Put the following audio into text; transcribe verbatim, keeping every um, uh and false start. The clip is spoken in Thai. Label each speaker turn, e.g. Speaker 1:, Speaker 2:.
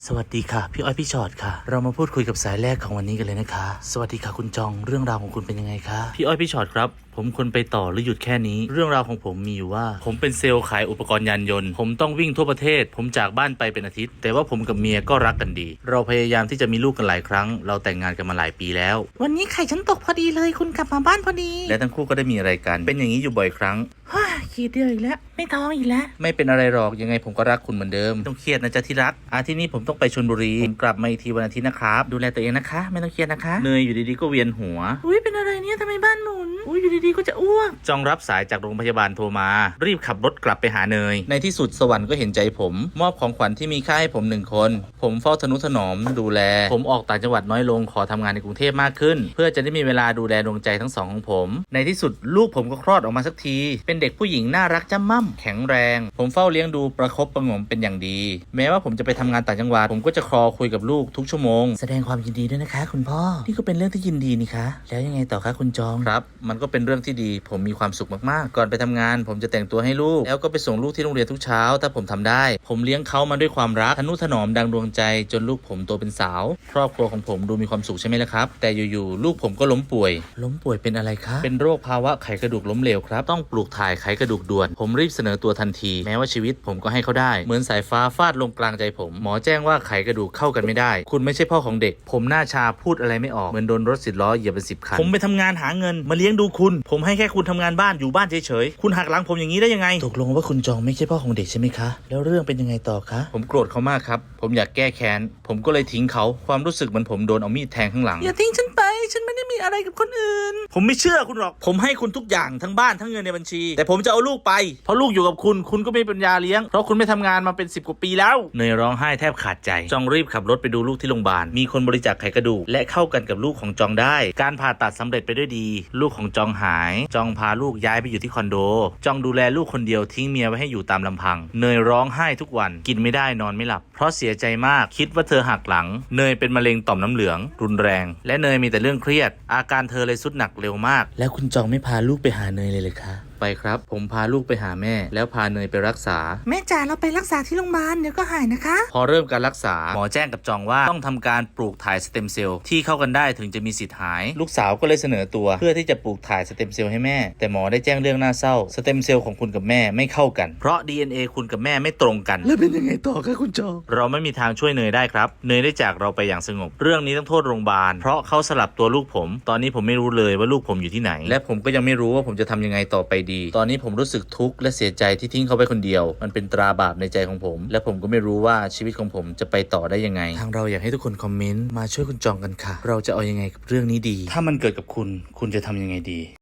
Speaker 1: สวัสดีค่ะพี่อ้อยพี่ชอตค่ะเรามาพูดคุยกับสายแรกของวันนี้กันเลยนะคะสวัสดีค่ะคุณจองเรื่องราวของคุณเป็นยังไงคะพี่อ้อยพี่ชอตครับผมควรไปต่อหรือหยุดแค่นี้เรื่องราวของผมมีอยู่ว่าผมเป็นเซลล์ขายอุปกรณ์ยานยนต์ผมต้องวิ่งทั่วประเทศผมจากบ้านไปเป็นอาทิตย์แต่ว่าผมกับเมียก็รักกันดีเราพยายามที่จะมีลูกกันหลายครั้งเราแต่งงานกันมาหลายปีแล้ววันนี้ไข่ฉันตกพอดีเลยคุณกลับมาบ้านพอดีและทั้งคู่ก็ได้มีอะไรกันเป็นอย่างนี้อยู่บ่อยครั้งฮ่าขี้เดียวอีกแล้วไม่ท้องอีกแล้วไม่เป็นอะไรหรอกยังไงผมก็รักคุณเหมือนเดิมต้องเครียดนะจ๊ะที่รักอาทิตย์นี้ผมต้องไปชลบุรีผมกลับมาอีกทีวันอาทิตย์นะครับดูแลตัวเองนะคะไม่ต้องเครียดนะคะเนยอยู่ดีๆก็เวียนหัวอุ้ยเป็นอะไรเนี่ยทำไมบ้านหมุนอุ้ยอยู่ดีๆก็จะอ้วกจองรับสายจากโรงพยาบาลโทรมารีบขับรถกลับไปหาเนยในที่สุดสวรรค์ก็เห็นใจผมมอบของขวัญที่มีค่าให้ผมหนึ่งคนผมเฝ้าทนุถนอมดูแลผมออกต่างจังหวัดน้อยลงขอทำงานในกรุงเทพมากขึ้นเพื่อจะได้มีเวลาดูแลดวงใจทั้งสองของผมในที่สุดลูกผมก็คลอดออกมาสักทีเป็นเด็กผู้หญิงน่ารักจ้ำม่ำแข็งแรงผมเฝ้าเลี้ยงดูประคบประหงมเป็นอย่างดีแม้ว่าผมจะไปทำงานต่างจังหวัดผมก็จะคอคุยกับลูกทุกชั่วโมงแสดงความยินดีด้วยนะคะคุณพ่อนี่ก็เป็นเรื่องที่ยินดีนี่คะแล้วยังไงต่อคะคุณจองครับมันก็เป็นเรื่องที่ดีผมมีความสุขมากๆก่อนไปทำงานผมจะแต่งตัวให้ลูกแล้วก็ไปส่งลูกที่โรงเรียนทุกเช้าถ้าผมทำได้ผมเลี้ยงเขามาด้วยความรักทนุถนอมดังดวงใจจนลูกผมโตเป็นสาวครอบครัวของผมดูมีความสุขใช่ไหมล่ะครับแต่อยู่ๆลูกผมก็ล้มป่วยล้มป่วยเป็นอะไรคะเป็นโรคภาวะไขกระดูกล้มเหลวครับต้องปลูกถ่ายไขกระดูกด่วนผมรีบเสนอตัวทันทีแม้ว่าชีวิตผมก็ให้เขาได้เหมือนสายฟ้าฟาดลงกลางใจผมหมอแจ้งว่าไขกระดูกเข้ากันไม่ได้คุณไม่ใช่พ่อของเด็กผมหน้าชาพูดอะไรไม่ออกเหมือนโดนรถสิบล้อเหยียบเป็นสิบคันผมไปทำงานหาเงินมาเลี้ยงดูคุณผมให้แค่คุณทำงานบ้านอยู่บ้านเฉยๆคุณหักหลังผมอย่างนี้ได้ยังไงตกลงว่าคุณจองไม่ใช่พ่อของเด็กใช่ไหมคะแล้วเรื่องเป็นยังไงต่อคะผมโกรธเขามากครับผมอยากแก้แค้นผมก็เลยทิ้งเขาความรู้สึกเหมือนผมโดนเอามีดแทงข้างหลังอย่าทิ้งฉันไปฉันไม่ได้มีอะไรกับคนอื่นผมไม่เชื่อคุณหรอกผมให้คุณทุกอย่างทั้งบ้านทั้งเงินในบัญชีแต่ผมจะเอาลูกไปเพราะลูกอยู่กับคุณคุณก็ไม่มีปัญญาเลี้ยงเพราะคุณไม่ทำงานมาเป็นสิบกว่าปีแล้วเนยร้องไห้แทบขาดใจจองรีบขับรถไปดูลูกที่โรงพยาบาลมีคนบริจาคไขกระดูกและเข้ากันกับลูกของจองได้การผ่าตัดสำเร็จไปด้วยดีลูกของจองหายจองพาลูกย้ายไปอยู่ที่คอนโดจองดูแลลูกคนเดียวทิ้งเมียไว้ให้อยู่ตามลำพังเนยร้องไห้ทุกวันกินไม่ได้นอนไม่หลับเพราะเสียใจมากคิดว่าเธอหักหลังเนยเป็นมะเร็งต่อมน้ำเหลืองรุนแรงและเนยมีแต่เรื่องเครียดอาการเธอเลยสุดหนักเร็วมากแล้วคุณจองไม่พาลูกไปหาเนยเลยเลยคะไปครับผมพาลูกไปหาแม่แล้วพาเนยไปรักษาแม่จ๋าเราไปรักษาที่โรงพยาบาลเดี๋ยวก็หายนะคะพอเริ่มการรักษาหมอแจ้งกับจองว่าต้องทำการปลูกถ่ายสเต็มเซลล์ที่เข้ากันได้ถึงจะมีสิทธิ์หายลูกสาวก็เลยเสนอตัวเพื่อที่จะปลูกถ่ายสเต็มเซลล์ให้แม่แต่หมอได้แจ้งเรื่องน่าเศร้าสเต็มเซลล์ของคุณกับแม่ไม่เข้ากันเพราะ ดี เอ็น เอ คุณกับแม่ไม่ตรงกันแล้วเป็นยังไงต่อคะคุณจองเราไม่มีทางช่วยเนยได้ครับเนยได้จากเราไปอย่างสงบเรื่องนี้ต้องโทษโรงพยาบาลเพราะเขาสลับตัวลูกผมตอนนี้ผมไม่รู้เลยว่าลูกผมอยู่ที่ไหนและผมก็ยังไม่รู้ว่าผมจะทำยังไงต่อไปดีตอนนี้ผมรู้สึกทุกข์และเสียใจที่ทิ้งเขาไปคนเดียวมันเป็นตราบาปในใจของผมและผมก็ไม่รู้ว่าชีวิตของผมจะไปต่อได้ยังไงทางเราอยากให้ทุกคนคอมเมนต์มาช่วยคุณจองกันค่ะเราจะเอายังไงกับเรื่องนี้ดีถ้ามันเกิดกับคุณคุณจะทำยังไงดี